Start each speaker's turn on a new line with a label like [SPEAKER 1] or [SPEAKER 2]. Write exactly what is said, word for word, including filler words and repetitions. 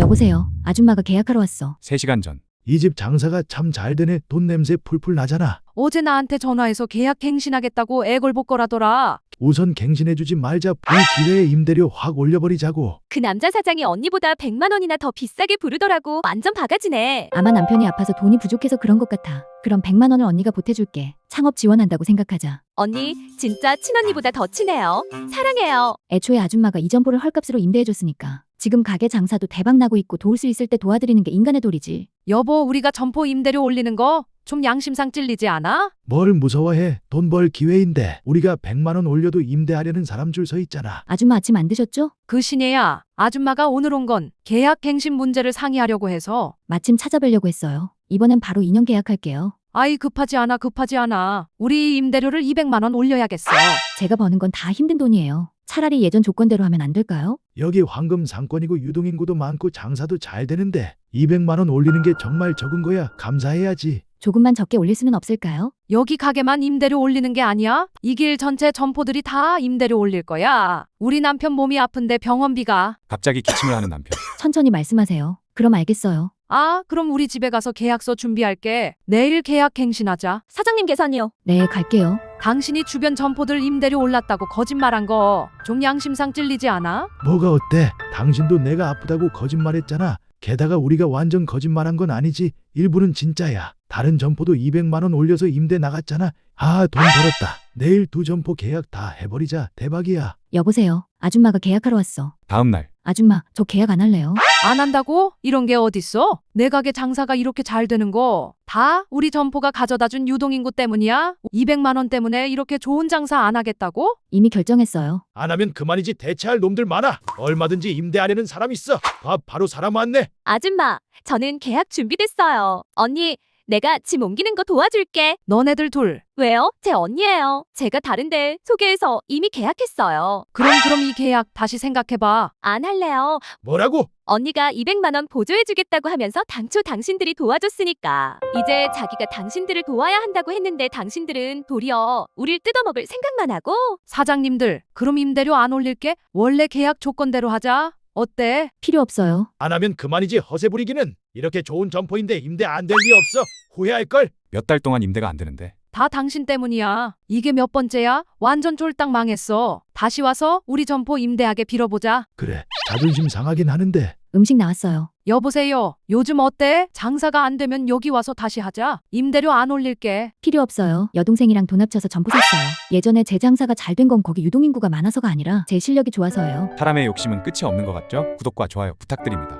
[SPEAKER 1] 여보세요. 아줌마가 계약하러 왔어.
[SPEAKER 2] 세 시간 전.
[SPEAKER 3] 이 집 장사가 참 잘 되네. 돈 냄새 풀풀 나잖아.
[SPEAKER 4] 어제 나한테 전화해서 계약 갱신하겠다고 애걸복걸하더라.
[SPEAKER 3] 우선 갱신해주지 말자. 이 기회에 임대료 확 올려버리자고.
[SPEAKER 5] 그 남자 사장이 언니보다 백만 원이나 더 비싸게 부르더라고. 완전 바가지네.
[SPEAKER 1] 아마 남편이 아파서 돈이 부족해서 그런 것 같아. 그럼 백만 원을 언니가 보태줄게. 창업 지원한다고 생각하자.
[SPEAKER 5] 언니 진짜 친언니보다 더 친해요. 사랑해요.
[SPEAKER 1] 애초에 아줌마가 이 점포를 헐값으로 임대해줬으니까. 지금 가게 장사도 대박 나고 있고 도울 수 있을 때 도와드리는 게 인간의 도리지.
[SPEAKER 4] 여보, 우리가 점포 임대료 올리는 거 좀 양심상 찔리지 않아?
[SPEAKER 3] 뭘 무서워해. 돈 벌 기회인데. 우리가 백만 원 올려도 임대하려는 사람 줄 서 있잖아.
[SPEAKER 1] 아줌마 아침 안 드셨죠?
[SPEAKER 4] 그 신예야, 아줌마가 오늘 온 건 계약 갱신 문제를 상의하려고 해서.
[SPEAKER 1] 마침 찾아뵈려고 했어요. 이번엔 바로 이 년 계약할게요.
[SPEAKER 4] 아이, 급하지 않아 급하지 않아. 우리 임대료를 이백만 원 올려야겠어.
[SPEAKER 1] 제가 버는 건 다 힘든 돈이에요. 차라리 예전 조건대로 하면 안 될까요?
[SPEAKER 3] 여기 황금 상권이고 유동인구도 많고 장사도 잘 되는데 이백만 원 올리는 게 정말 적은 거야. 감사해야지.
[SPEAKER 1] 조금만 적게 올릴 수는 없을까요?
[SPEAKER 4] 여기 가게만 임대료 올리는 게 아니야. 이 길 전체 점포들이 다 임대료 올릴 거야. 우리 남편 몸이 아픈데 병원비가.
[SPEAKER 2] 갑자기 기침을 하는 남편.
[SPEAKER 1] 천천히 말씀하세요. 그럼 알겠어요.
[SPEAKER 4] 아, 그럼 우리 집에 가서 계약서 준비할게. 내일 계약 갱신하자.
[SPEAKER 5] 사장님 계산이요.
[SPEAKER 1] 네, 갈게요.
[SPEAKER 4] 당신이 주변 점포들 임대료 올랐다고 거짓말한 거 좀 양심상 찔리지 않아?
[SPEAKER 3] 뭐가 어때? 당신도 내가 아프다고 거짓말했잖아. 게다가 우리가 완전 거짓말한 건 아니지. 일부는 진짜야. 다른 점포도 이백만 원 올려서 임대 나갔잖아. 아, 돈 벌었다. 내일 두 점포 계약 다 해버리자. 대박이야.
[SPEAKER 1] 여보세요. 아줌마가 계약하러 왔어.
[SPEAKER 2] 다음 날.
[SPEAKER 1] 아줌마, 저 계약 안 할래요.
[SPEAKER 4] 안 한다고? 이런 게 어딨어? 내 가게 장사가 이렇게 잘 되는 거 다 우리 점포가 가져다 준 유동인구 때문이야? 이백만 원 때문에 이렇게 좋은 장사 안 하겠다고?
[SPEAKER 1] 이미 결정했어요.
[SPEAKER 3] 안 하면 그만이지. 대체할 놈들 많아. 얼마든지 임대하려는 사람 있어. 봐, 바로 사람 왔네.
[SPEAKER 5] 아줌마, 저는 계약 준비됐어요. 언니, 내가 짐 옮기는 거 도와줄게.
[SPEAKER 4] 너네들 둘.
[SPEAKER 5] 왜요? 제 언니예요. 제가 다른데 소개해서 이미 계약했어요.
[SPEAKER 4] 그럼 그럼 이 계약 다시 생각해봐.
[SPEAKER 5] 안 할래요.
[SPEAKER 3] 뭐라고?
[SPEAKER 5] 언니가 이백만 원 보조해주겠다고 하면서 당초 당신들이 도와줬으니까. 이제 자기가 당신들을 도와야 한다고 했는데 당신들은 도리어 우릴 뜯어먹을 생각만 하고.
[SPEAKER 4] 사장님들, 그럼 임대료 안 올릴게. 원래 계약 조건대로 하자. 어때?
[SPEAKER 1] 필요 없어요.
[SPEAKER 3] 안 하면 그만이지. 허세 부리기는. 이렇게 좋은 점포인데 임대 안 될 리 없어. 후회할걸.
[SPEAKER 2] 몇 달 동안 임대가 안 되는데.
[SPEAKER 4] 다 당신 때문이야. 이게 몇 번째야? 완전 쫄딱 망했어. 다시 와서 우리 점포 임대하게 빌어보자.
[SPEAKER 3] 그래, 자존심 상하긴 하는데.
[SPEAKER 1] 음식 나왔어요.
[SPEAKER 4] 여보세요. 요즘 어때? 장사가 안 되면 여기 와서 다시 하자. 임대료 안 올릴게.
[SPEAKER 1] 필요 없어요. 여동생이랑 돈 합쳐서 점포 샀어요. 예전에 제 장사가 잘 된 건 거기 유동인구가 많아서가 아니라 제 실력이 좋아서예요.
[SPEAKER 2] 사람의 욕심은 끝이 없는 것 같죠? 구독과 좋아요 부탁드립니다.